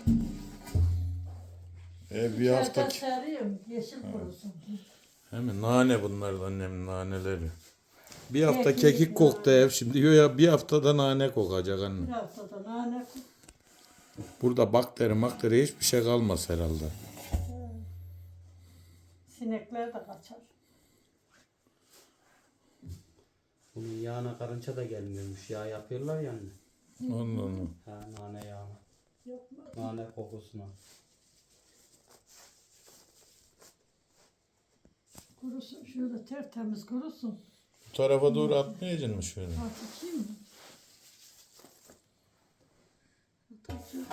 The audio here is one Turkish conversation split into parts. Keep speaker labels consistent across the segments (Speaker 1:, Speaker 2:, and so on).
Speaker 1: Bir hafta
Speaker 2: sarıyorum, yeşil kurusun.
Speaker 1: Hem nane bunlar da annemin naneleri. Bir hafta
Speaker 2: Kekik,
Speaker 1: kekik koktu
Speaker 2: nane.
Speaker 1: ev şimdi. Ya bir haftada nane kokacak
Speaker 2: Bir
Speaker 1: anne.
Speaker 2: haftada nane
Speaker 1: Burada bakteri hiçbir şey kalmaz herhalde.
Speaker 2: sinekler de kaçar.
Speaker 3: Bunun yağına karınca da gelmiyormuş. Yağ yapıyorlar ya anne.
Speaker 1: Onu.
Speaker 3: Ha, nane yağına.
Speaker 2: Yok mu?
Speaker 3: Nane kokusuna.
Speaker 2: Kurusun, şöyle tertemiz kurusun.
Speaker 1: Bu tarafa doğru atmayacaksın mı şöyle?
Speaker 2: Atayım mı? Atacağım.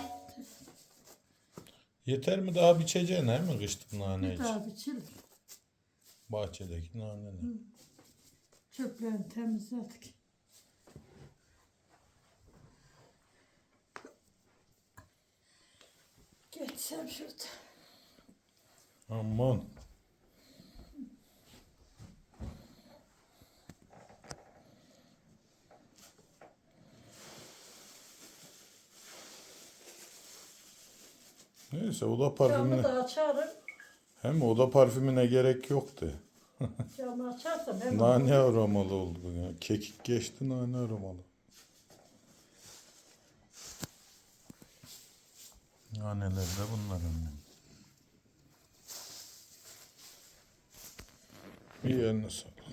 Speaker 1: Yeter mi daha biçeceksin he mi kışlık nane
Speaker 2: Bir
Speaker 1: için?
Speaker 2: daha biçilir.
Speaker 1: Bahçedeki naneler.
Speaker 2: Çöplerini temizledik. Geçsem şurada.
Speaker 1: Aman. Neyse oda
Speaker 2: Camı
Speaker 1: parfümüne
Speaker 2: da açarım.
Speaker 1: hem oda parfümüne gerek yoktu.
Speaker 2: Camı açarsam hemen.
Speaker 1: Nane aromalı oldu bu ya. Kekik geçti nane aromalı. Naneler de bunlar annem. İyi eline sağlık.